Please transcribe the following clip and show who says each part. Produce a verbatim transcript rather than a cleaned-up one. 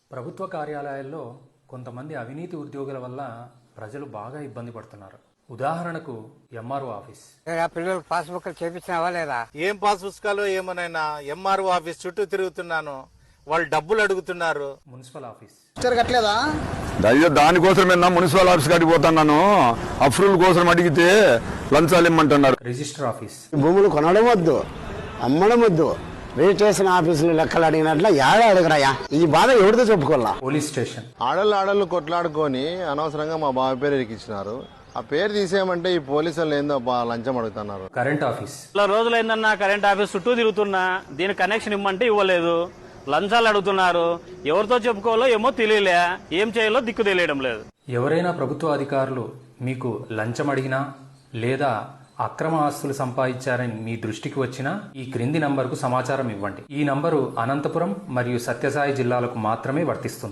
Speaker 1: ప్రభుత్వ కార్యాలయాల్లో కొంతమంది అవినీతి ఉద్యోగుల వల్ల ప్రజలు బాగా ఇబ్బంది పడుతున్నారు. ఉదాహరణకు ఎంఆర్ఓ ఆఫీస్.
Speaker 2: పిల్లలకు పాస్బుక్ చేపించినావా లేదా?
Speaker 3: ఏం పాస్ పుస్తకాలు ఏమోనైనా ఎంఆర్ఓ ఆఫీస్ చుట్టూ తిరుగుతున్నాను, వాళ్ళు డబ్బులు అడుగుతున్నారు.
Speaker 1: Municipal office.
Speaker 4: కట్టలేదా?
Speaker 5: అయ్యో దానికోసమే మున్సిపల్ ఆఫీస్ కాడికి పోతున్నాను. అప్రూవల్ కోసం అడిగితే లంచాలు ఇమ్మంటున్నారు.
Speaker 1: Register office.
Speaker 4: భూములు కొనడం వద్దు, అమ్మడం వద్దు, రిజిస్ట్రేషన్ ఆఫీసులు లెక్కలు అడిగినట్ల ఏడా అడగరాయా? ఈ బాధ ఎవరితో చెప్పుకోవాలా?
Speaker 1: Police station.
Speaker 6: ఆడళ్ళు ఆడళ్ళు కొట్లాడుకొని అనవసరంగా మా బావ పేరు ఇరికిచ్చినారు. ఆ పేరు తీసేయమంటే ఈ పోలీసులు ఏందో లంచం అడుగుతున్నారు.
Speaker 1: Current office.
Speaker 7: ఇలా రోజులైందన్నా కరెంట్ ఆఫీస్ చుట్టూ తిరుగుతున్నా, దీని కనెక్షన్ ఇమ్మంటే ఇవ్వలేదు, లంచాలు అడుగుతున్నారు. ఎవరితో చెప్పుకోవాలో ఏమో తెలియలే, ఏం చేయాలో దిక్కు తెలియడం లేదు.
Speaker 1: ఎవరైనా ప్రభుత్వ అధికారులు మీకు లంచం అడిగినా లేదా అక్రమ ఆస్తులు సంపాదించారని మీ దృష్టికి వచ్చినా ఈ క్రింది నంబరుకు సమాచారం ఇవ్వండి. ఈ నంబరు అనంతపురం మరియు సత్యసాయి జిల్లాలకు మాత్రమే వర్తిస్తుంది.